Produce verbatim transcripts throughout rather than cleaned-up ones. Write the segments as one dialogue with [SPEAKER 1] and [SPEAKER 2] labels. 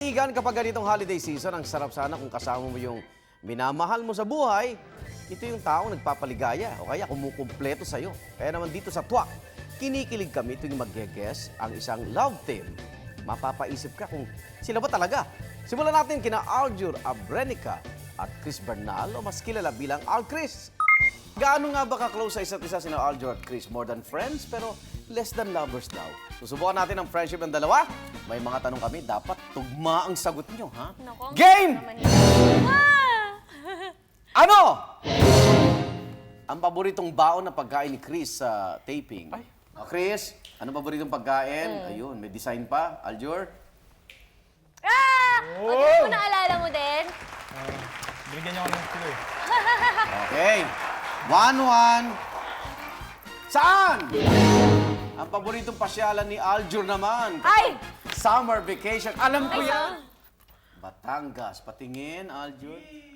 [SPEAKER 1] kaibigan, kapag ganitong holiday season, ang sarap sana kung kasama mo yung minamahal mo sa buhay, ito yung taong nagpapaligaya o kaya kumukumpleto sa'yo. Kaya naman dito sa Twak, kinikilig kami tuwing mag-guess ang isang love team. Mapapaisip ka kung sila ba talaga. Simulan natin kina Aljur Abrenica at Chris Bernal o mas kilala bilang Al Chris. Gaano nga ba ka-close sa isa't isa sina Aljur at Chris? More than friends pero less than lovers daw. Susubukan natin ang friendship ng dalawa. May mga tanong kami, dapat tugma ang sagot nyo, ha?
[SPEAKER 2] Nako,
[SPEAKER 1] Game!
[SPEAKER 2] Ah!
[SPEAKER 1] Ano? Ang paboritong baon na pagkain ni Chris sa taping. Ay. O, Chris, ano paboritong pagkain? Ayun, may design pa. Aljur?
[SPEAKER 2] Ah! O, di mo naalala mo din?
[SPEAKER 3] Uh, binigyan niyo ako ng clue eh.
[SPEAKER 1] Okay. One, one. Saan? Ang paboritong pasyalan ni Aljur naman.
[SPEAKER 2] Ay!
[SPEAKER 1] Summer vacation. Alam ko
[SPEAKER 2] Ay,
[SPEAKER 1] yan. Batangas. Patingin, Aljur.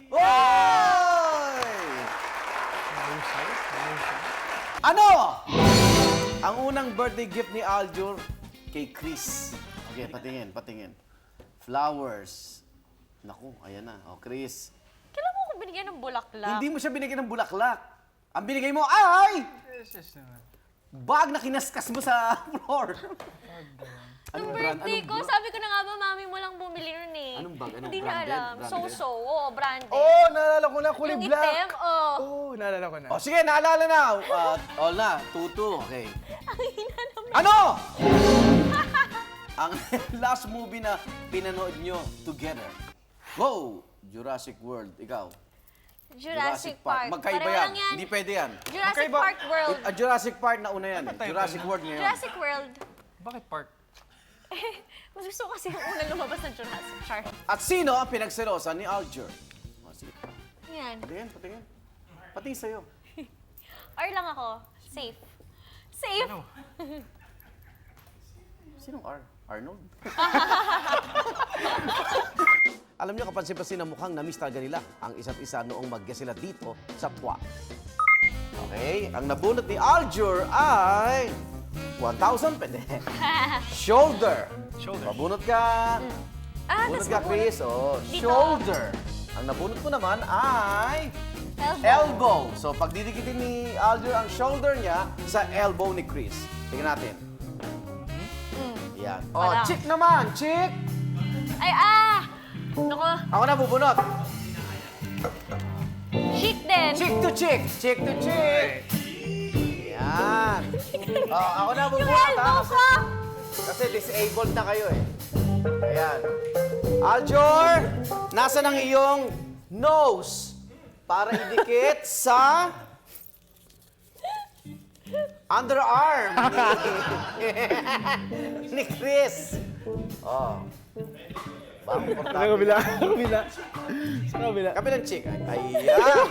[SPEAKER 1] Oy!
[SPEAKER 3] Mahusay? Mahusay?
[SPEAKER 1] Ano? Ang unang birthday gift ni Aljur kay Chris. Okay, patingin, patingin. Flowers. Naku, ayan na. O, Chris.
[SPEAKER 2] Kailan mo ako binigyan ng bulaklak?
[SPEAKER 1] Hindi mo siya binigyan ng bulaklak. Ang binigay mo ay
[SPEAKER 3] Yes, yes naman.
[SPEAKER 1] bag na kinaskas mo sa floor.
[SPEAKER 2] Nung
[SPEAKER 1] Anong brand?
[SPEAKER 2] birthday
[SPEAKER 1] Anong
[SPEAKER 2] ko,
[SPEAKER 1] brand?
[SPEAKER 2] sabi ko na nga ba, mami mo lang bumili nun eh.
[SPEAKER 1] Anong bag? Anong
[SPEAKER 2] Hindi niya
[SPEAKER 1] branded?
[SPEAKER 2] alam.
[SPEAKER 1] Branded?
[SPEAKER 2] So-so. Oo, branded.
[SPEAKER 3] Oh, naalala ko na. Kulay
[SPEAKER 2] Yung
[SPEAKER 3] black.
[SPEAKER 2] itim, oh.
[SPEAKER 3] Oh, naalala ko na.
[SPEAKER 1] O, sige, naalala na. Uh, all na. two two. Okay.
[SPEAKER 2] Ang hina naman.
[SPEAKER 1] Ano? Ang last movie na pinanood nyo together. Go! Jurassic World. Ikaw.
[SPEAKER 2] Jurassic Park.
[SPEAKER 1] Magkaiba
[SPEAKER 2] Pareho
[SPEAKER 1] yan.
[SPEAKER 2] lang yan.
[SPEAKER 1] Hindi pwede yan.
[SPEAKER 2] Jurassic
[SPEAKER 3] Magkaiba.
[SPEAKER 2] Park World.
[SPEAKER 1] Ah, Jurassic Park na una yan. eh.
[SPEAKER 3] Ano tayo
[SPEAKER 1] Jurassic
[SPEAKER 3] na?
[SPEAKER 1] World ngayon.
[SPEAKER 2] Jurassic World.
[SPEAKER 3] Bakit park?
[SPEAKER 2] Eh, mas gusto ko kasi yung unang lumabas ng Jurassic Park.
[SPEAKER 1] At sino ang pinagselosan ni Aljur? O, sige.
[SPEAKER 2] Yan.
[SPEAKER 1] Patingin, patingin. Patingin sa'yo.
[SPEAKER 2] Or lang ako. Safe. Safe?
[SPEAKER 3] Ano?
[SPEAKER 1] Sinong R? Arnold? Alam niyo, kapansin-pansin na mukhang na-miss talaga nila ang isa't isa noong mag-guess sila dito sa Twak. Okay, ang nabunot ni Aljur ay one thousand pwede. Shoulder.
[SPEAKER 3] Shoulder.
[SPEAKER 1] Mabunot ka.
[SPEAKER 2] Ah,
[SPEAKER 1] Bunot
[SPEAKER 2] tas
[SPEAKER 1] ka,
[SPEAKER 2] mabunot
[SPEAKER 1] Chris. Oh,
[SPEAKER 2] dito.
[SPEAKER 1] shoulder. Ang nabunot ko naman ay
[SPEAKER 2] Elbow.
[SPEAKER 1] elbow. So, pag didikitin ni Aljur ang shoulder niya sa elbow ni Chris. Tingnan natin.
[SPEAKER 2] Mm.
[SPEAKER 1] Yan. Oh,
[SPEAKER 2] Wala.
[SPEAKER 1] chick naman. Chick.
[SPEAKER 2] Ay, ah! Naku,
[SPEAKER 1] Ako na bubunot.
[SPEAKER 2] chick din.
[SPEAKER 1] Chick to chick. Chick to chick. Yan. Oh, ako na
[SPEAKER 2] Yung
[SPEAKER 1] bubunot.
[SPEAKER 2] elbow
[SPEAKER 1] ha?
[SPEAKER 2] ko!
[SPEAKER 1] Kasi disabled na kayo eh. Ayan. Aljur, nasa ng iyong nose para idikit sa underarm ni, ni Chris. Oh. Bang,
[SPEAKER 3] Sa
[SPEAKER 1] portable.
[SPEAKER 3] kabila. Sa kabila. Sa kabila.
[SPEAKER 1] Kabilang chick. Ayan.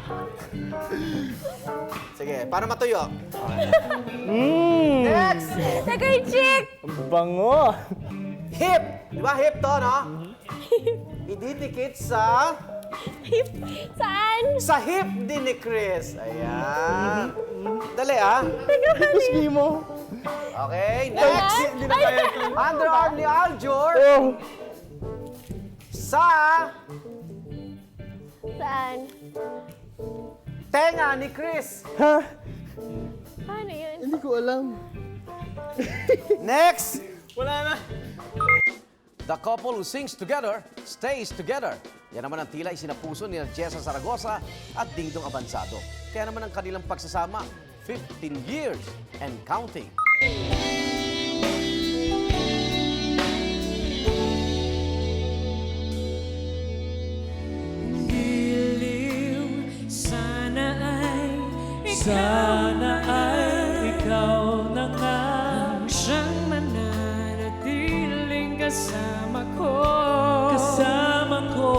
[SPEAKER 1] Sige, para matuyo.
[SPEAKER 3] Mmm!
[SPEAKER 1] Next!
[SPEAKER 2] Teka yung chick!
[SPEAKER 3] Ang bango!
[SPEAKER 1] Hip! Di ba hip to, no? Ididikit sa...
[SPEAKER 2] Saan?
[SPEAKER 1] Sa hip din ni Chris. Ayan. Dali, ah.
[SPEAKER 3] Gusto mo?
[SPEAKER 1] Okay, next.
[SPEAKER 3] Hindi na kaya ito.
[SPEAKER 1] Underarm ni Aljur
[SPEAKER 3] Oh!
[SPEAKER 1] sa
[SPEAKER 2] Saan?
[SPEAKER 1] tenga ni Chris.
[SPEAKER 3] Ha?
[SPEAKER 2] Paano yun?
[SPEAKER 3] Hindi ko alam.
[SPEAKER 1] Next.
[SPEAKER 3] Wala na.
[SPEAKER 1] The couple who sings together stays together. Yan naman ang tila isinapuso ni Jessa Zaragoza at Dingdong Abansado. Kaya naman ang kanilang pagsasama, fifteen years and counting.
[SPEAKER 4] Sana ay Sana ay ikaw na nga ang siyang mananatiling kasama ko Kasama ko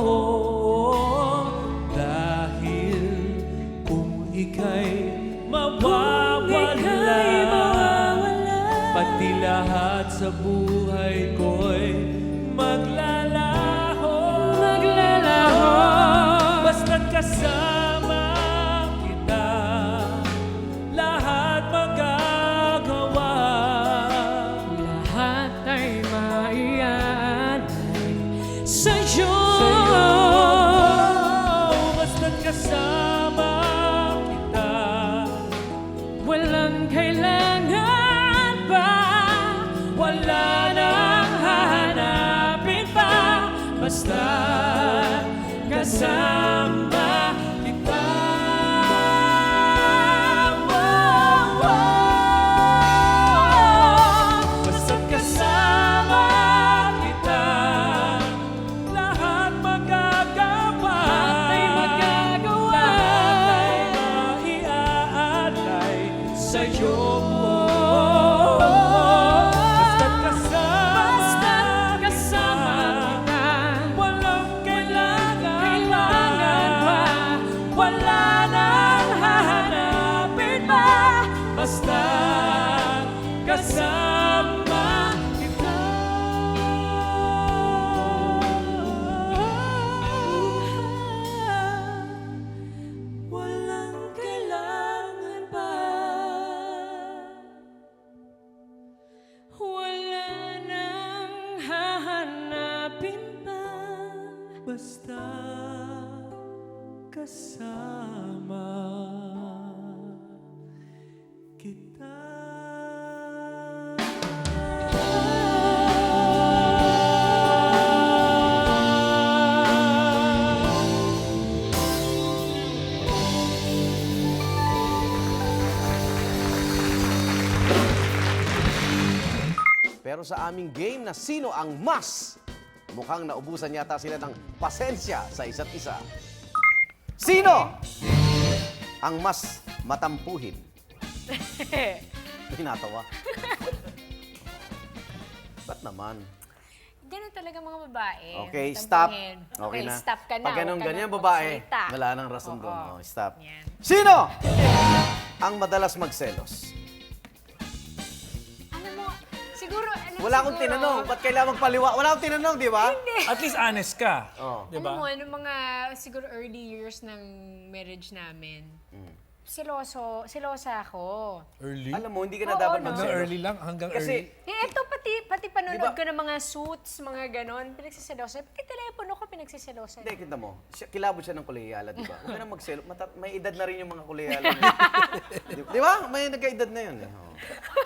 [SPEAKER 4] Dahil kung ika'y mawawala Pati lahat sa buhay ko'y maglalaho Maglalaho Basta't kasama kita Lahat magagawa Lahat ay maiaalay sa'yo. Basta't kasama kita, walang kailangan pa, wala nang hahanapin pa, basta kasama kita. Basta't kasama kita, lahat magagawa. Lahat ay magagawa. Lahat ay maiaalay sa'yo. Basta't kasama, basta't kasama kita, walang kailangan pa, wala nang hahanapin pa, basta kasama kita. Walang kailangan pa, wala nang hahanapin pa, basta kasama kita.
[SPEAKER 1] Pero sa aming game na sino ang mas, mukhang naubusan yata sila ng pasensya sa isa't isa. Sino ang mas matampuhin? Pinatawa. Ba't naman?
[SPEAKER 2] Ganun talaga mga babae.
[SPEAKER 1] Okay, stop.
[SPEAKER 2] Tampuhin.
[SPEAKER 1] Okay na.
[SPEAKER 2] stop ka na.
[SPEAKER 1] Pag ganun
[SPEAKER 2] Huwag ka
[SPEAKER 1] ganyan,
[SPEAKER 2] na
[SPEAKER 1] babae,
[SPEAKER 2] magsalita.
[SPEAKER 1] wala nang rason doon.
[SPEAKER 2] Oo.
[SPEAKER 1] Oh, stop.
[SPEAKER 2] Yan.
[SPEAKER 1] Sino ang madalas magselos?
[SPEAKER 2] Alam mo, siguro, alam
[SPEAKER 1] Wala akong
[SPEAKER 2] siguro,
[SPEAKER 1] tinanong. Ba't kailangan magpaliwa? Wala akong tinanong, di ba?
[SPEAKER 4] At least honest ka.
[SPEAKER 1] Oh.
[SPEAKER 4] Di
[SPEAKER 2] Alam
[SPEAKER 4] ba?
[SPEAKER 2] mo, ano mga siguro early years ng marriage namin,
[SPEAKER 1] Mm.
[SPEAKER 2] siloso, silosa ako.
[SPEAKER 4] Early?
[SPEAKER 1] Alam mo, hindi ka na
[SPEAKER 2] Oo,
[SPEAKER 1] dapat
[SPEAKER 2] no?
[SPEAKER 4] Hanggang
[SPEAKER 1] magselos.
[SPEAKER 4] early lang? Hanggang
[SPEAKER 1] Kasi,
[SPEAKER 4] early?
[SPEAKER 2] Eh, eto, pati, pati panonood
[SPEAKER 1] Di ba-
[SPEAKER 2] ko ng mga suits, mga ganon, pinagsiselosa. Pati telepono ko pinagsiselosa.
[SPEAKER 1] hindi, kita mo. Siya, kilabot siya ng kuleyala, di ba? Huwag ka na magselo. Mata- may edad na rin yung mga kuleyala. di, di ba? May nagka-edad na yun. Eh. Oo.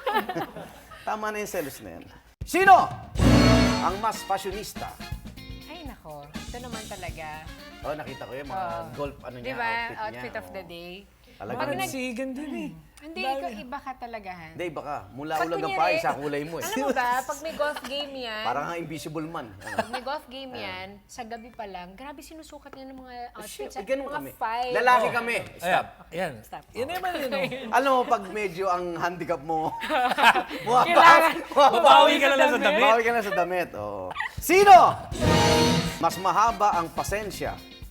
[SPEAKER 1] Tama na yung selos na yan. Sino ang mas fashionista?
[SPEAKER 2] Ay, nako. Ito naman talaga.
[SPEAKER 1] Oh, nakita ko yung mga
[SPEAKER 2] Oo.
[SPEAKER 1] golf, ano niya,
[SPEAKER 2] Di ba?
[SPEAKER 1] outfit,
[SPEAKER 2] Outfit
[SPEAKER 1] niya.
[SPEAKER 2] of the
[SPEAKER 1] Oo.
[SPEAKER 2] day.
[SPEAKER 1] Talaga
[SPEAKER 2] Pag
[SPEAKER 1] naman.
[SPEAKER 2] nag-
[SPEAKER 4] Sigan din eh.
[SPEAKER 2] Hindi, ikaw iba ka talaga, Han.
[SPEAKER 1] Hindi, baka. Mula
[SPEAKER 2] Pag
[SPEAKER 1] ulag ang
[SPEAKER 2] kunyari-
[SPEAKER 1] pa, isa kulay mo eh.
[SPEAKER 2] Alam mo ba, pag may golf game yan,
[SPEAKER 1] Parang nga invisible man. Ano?
[SPEAKER 2] pag may golf game yan, sa gabi pa lang, grabe sinusukat niya ng mga
[SPEAKER 1] Shit,
[SPEAKER 2] outfits.
[SPEAKER 1] eh,
[SPEAKER 2] at
[SPEAKER 1] ganun
[SPEAKER 2] mga
[SPEAKER 1] kami.
[SPEAKER 2] five.
[SPEAKER 1] Lalaki kami.
[SPEAKER 4] Ayan.
[SPEAKER 1] Stop.
[SPEAKER 4] Ayan.
[SPEAKER 2] Stop.
[SPEAKER 4] Yan naman yun. oh.
[SPEAKER 1] Alam mo, pag medyo ang handicap mo,
[SPEAKER 2] Kailangan.
[SPEAKER 4] Babawi ka na lang sa damit.
[SPEAKER 1] Bawi ka na sa damit. Oo. Sino? Mas mahaba ang pasensya.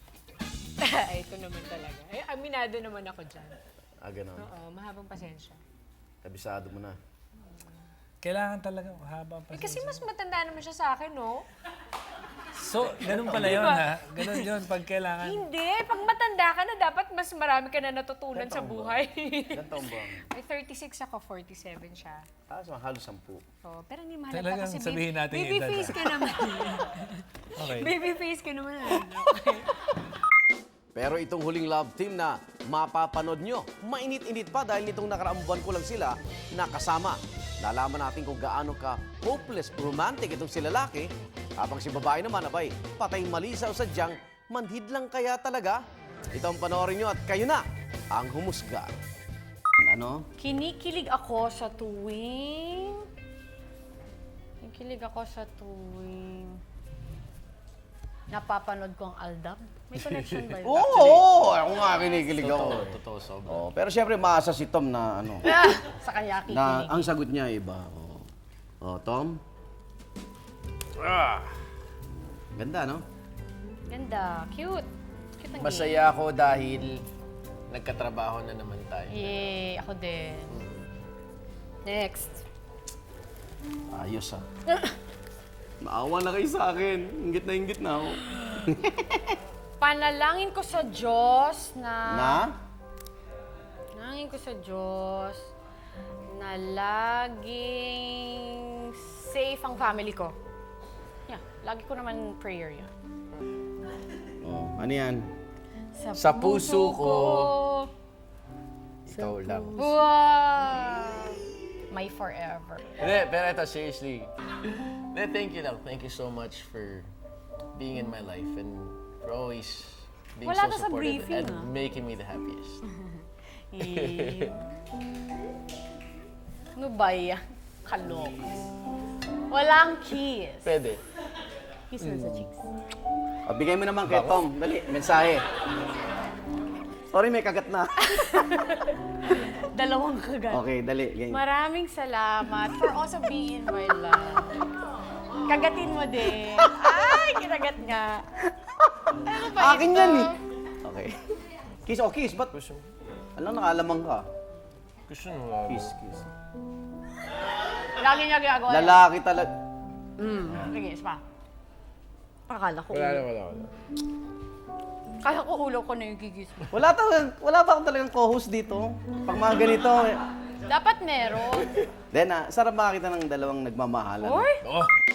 [SPEAKER 2] Ay, ito naman talaga. Ay, aminado naman ako dyan.
[SPEAKER 1] Ah, ganun.
[SPEAKER 2] Oo, mahabang pasensya.
[SPEAKER 1] Kabisado mo na.
[SPEAKER 4] Kailangan talaga haba pa.
[SPEAKER 2] Eh, kasi mas matanda naman siya sa akin, no?
[SPEAKER 4] So, ganun pala yun ha. Ganun yun pag kailangan.
[SPEAKER 2] Hindi. Pag matanda ka na, dapat mas marami ka na natutunan sa buhay.
[SPEAKER 1] Ilan taon ba?
[SPEAKER 2] May thirty-six ako, forty-seven siya.
[SPEAKER 1] Ah, so halos sampu.
[SPEAKER 2] Oh, pero hindi mahalaga
[SPEAKER 4] Talagang
[SPEAKER 2] kasi
[SPEAKER 4] sabihin
[SPEAKER 2] baby,
[SPEAKER 4] natin yung
[SPEAKER 2] baby
[SPEAKER 4] edad,
[SPEAKER 2] face
[SPEAKER 4] ah.
[SPEAKER 2] ka naman.
[SPEAKER 4] Okay.
[SPEAKER 2] Baby face ka naman. Okay.
[SPEAKER 1] Pero itong huling love team na mapapanood nyo, mainit-init pa dahil nitong nakaraang buwan ko lang sila nakasama. Nalaman natin kung gaano ka hopeless romantic itong si lalaki, habang si babae naman, abay, patay mali sa sadyang manhid lang kaya talaga. Ito ang panoorin nyo at kayo na ang humusga. Ano?
[SPEAKER 2] Kinikilig ako sa tuwing... Kinikilig ako sa tuwing... Napapanood ko ang Aldab. May connection ba yun?
[SPEAKER 1] Oo, oo, ako nga kinikilig ako.
[SPEAKER 3] Totoo, totoo, sobra.
[SPEAKER 1] Oh, pero siyempre maasa si Tom na ano,
[SPEAKER 2] Ah, sa kanya kikilig.
[SPEAKER 1] na ang sagot niya iba. Oh, oh Tom? Ah. Ganda, no?
[SPEAKER 2] Ganda. Cute. Cute ang game.
[SPEAKER 3] Masaya ako dahil nagkatrabaho na naman tayo.
[SPEAKER 2] Yay, ako din. Next.
[SPEAKER 1] Ayos ah. Maawa na kayo sa akin. Ingit na ingit na ako.
[SPEAKER 2] Panalangin ko sa Diyos na...
[SPEAKER 1] Na?
[SPEAKER 2] Panalangin ko sa Diyos na laging safe ang family ko. Yeah, Lagi ko naman prayer yun.
[SPEAKER 1] Oh, ano yan?
[SPEAKER 3] Sa puso ko. Ikaw lang.
[SPEAKER 2] Wow! My forever.
[SPEAKER 3] Hindi, pero ito, seriously. Hindi, thank you lang. Thank you so much for being in my life and for always being
[SPEAKER 2] Wala
[SPEAKER 3] so
[SPEAKER 2] to sa
[SPEAKER 3] supportive
[SPEAKER 2] briefing,
[SPEAKER 3] and
[SPEAKER 2] ah.
[SPEAKER 3] making me the happiest.
[SPEAKER 2] Eh. Ano ba yan? Kalok. Walang kiss.
[SPEAKER 3] Pwede.
[SPEAKER 2] Kiss na sa cheeks.
[SPEAKER 1] O, bigay mo naman kay Tom. Dali, mensahe. Sorry, may kagat na.
[SPEAKER 2] Dalawang kagat.
[SPEAKER 1] Okay, dali. Ganyan.
[SPEAKER 2] Maraming salamat for also being in my life. Kagatin mo din. Ay, kinagat nga. Ano ba
[SPEAKER 1] Akin
[SPEAKER 2] ito?
[SPEAKER 1] yan eh. Okay. Kiss o kiss, ba't? Alam, nakalamang ka.
[SPEAKER 3] Gusto mo.
[SPEAKER 1] Kiss, kiss.
[SPEAKER 2] Lagi niya ginagawa yan.
[SPEAKER 1] Lalaki talaga.
[SPEAKER 2] Mm. Sige, isa pa. Akala ko
[SPEAKER 3] Wala na,
[SPEAKER 2] ulo.
[SPEAKER 3] wala, wala.
[SPEAKER 2] Kaya ko ulo ko na yung gigis mo.
[SPEAKER 1] Wala, talagang, wala ba akong talagang co-host dito? Pag mga ganito. eh.
[SPEAKER 2] Dapat meron.
[SPEAKER 1] Then, ah, sarap makakita ng dalawang nagmamahalan.
[SPEAKER 2] Or?
[SPEAKER 3] Oh!